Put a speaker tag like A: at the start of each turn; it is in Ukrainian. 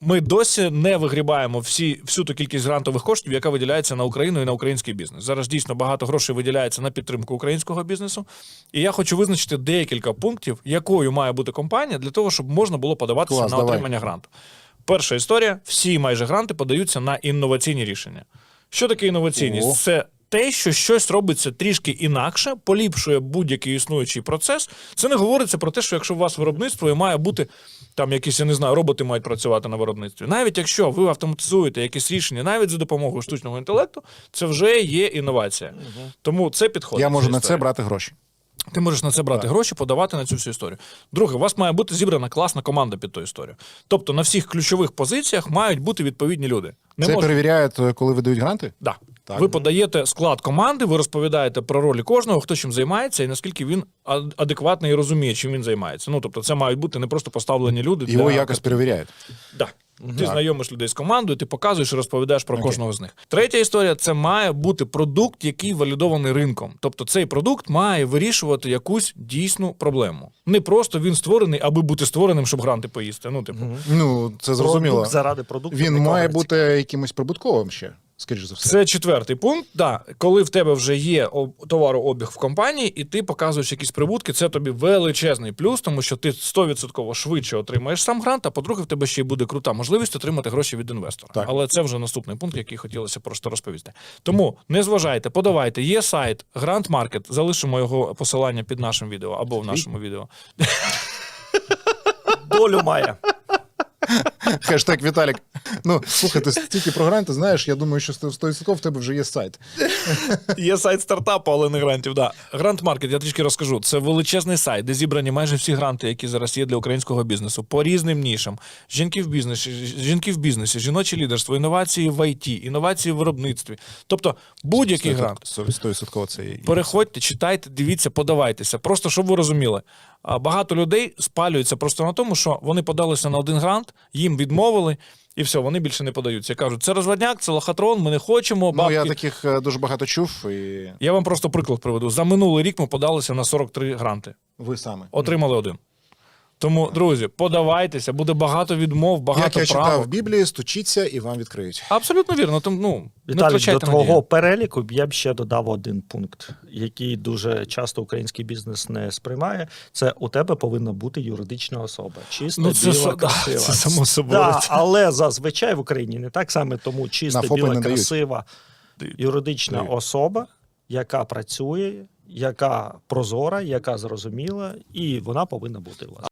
A: ми досі не вигрібаємо всю ту кількість грантових коштів, яка виділяється на Україну і на український бізнес. Зараз дійсно багато грошей виділяється на підтримку українського бізнесу. І я хочу визначити декілька пунктів, якою має бути компанія для того, щоб можна було подаватися на отримання гранту. Перша історія. Всі майже гранти подаються на інноваційні рішення. Що таке інноваційність? Це те, що щось робиться трішки інакше, поліпшує будь-який існуючий процес. Це не говориться про те, що якщо у вас виробництво і має бути там якісь, я не знаю, роботи мають працювати на виробництві. Навіть якщо ви автоматизуєте якісь рішення, навіть за допомогою штучного інтелекту, це вже є інновація. Тому це підходить.
B: Я можу на це брати гроші.
A: Ти можеш на це брати гроші, подавати на цю всю історію. Друге, у вас має бути зібрана класна команда під ту історію. Тобто на всіх ключових позиціях мають бути відповідні люди.
B: Це перевіряють, коли видають гранти?
A: Да. Ви подаєте склад команди, ви розповідаєте про ролі кожного, хто чим займається і наскільки він адекватно і розуміє, чим він займається. Ну, тобто це мають бути не просто поставлені люди.
B: Його якось перевіряють?
A: Да. Ти знайомиш людей з командою, ти показуєш і розповідаєш про кожного з них. Третя історія – це має бути продукт, який валідований ринком. Тобто цей продукт має вирішувати якусь дійсну проблему. Не просто він створений, аби бути створеним, щоб гранти поїсти.
B: Ну, це зрозуміло.
C: Продукт заради продукту.
B: Він має бути якимось прибутковим ще, скоріш за все.
A: Це четвертий пункт. Да. Коли в тебе вже є товарообіг в компанії, і ти показуєш якісь прибутки, це тобі величезний плюс, тому що ти 100% швидше отримаєш сам грант, а по-друге, в тебе ще й буде крута можливість отримати гроші від інвестора.
B: Так.
A: Але це вже наступний пункт, який хотілося просто розповісти. Тому не зважайте, подавайте. Є сайт Grant Market, залишимо його посилання під нашим відео або в нашому відео.
C: Долю має.
B: Хештег Віталік. Ну, слухай, ти стільки про гранти знаєш, я думаю, що 100% в тебе вже є сайт.
A: Є сайт стартапу, але не грантів, да. Grant Market, я трішки розкажу. Це величезний сайт, де зібрані майже всі гранти, які зараз є для українського бізнесу, по різним нішам. Жінки в бізнесі, жіноче лідерство, інновації в ІТ, інновації в виробництві. Тобто будь-який грант.
B: 100% це є.
A: Переходьте, читайте, дивіться, подавайтеся. Просто, щоб ви розуміли. Багато людей спалюються просто на тому, що вони подалися на один грант, їм відмовили, і все, вони більше не подаються. Кажуть, це розводняк, це лохотрон, ми не хочемо. Бабки.
B: Ну, я таких дуже багато чув. І...
A: Я вам просто приклад приведу. За минулий рік ми подалися на 43 гранти.
B: Ви саме.
A: Отримали один. Тому, друзі, подавайтеся, буде багато відмов, багато
B: Як я читав
A: правок.
B: в Біблії, стучіться і вам відкриють.
A: Абсолютно вірно. Тому, не
C: Віталій, до
A: втрачайте
C: твого
A: надії.
C: переліку я б ще додав один пункт, який дуже часто український бізнес не сприймає. Це у тебе повинна бути юридична особа. Чиста, біла, красива.
A: Це само собою.
C: Да, але зазвичай в Україні не так саме, тому чиста,
B: На ФОПи
C: біла,
B: не дають.
C: красива юридична особа, яка працює, яка прозора, яка зрозуміла, і вона повинна бути у вас.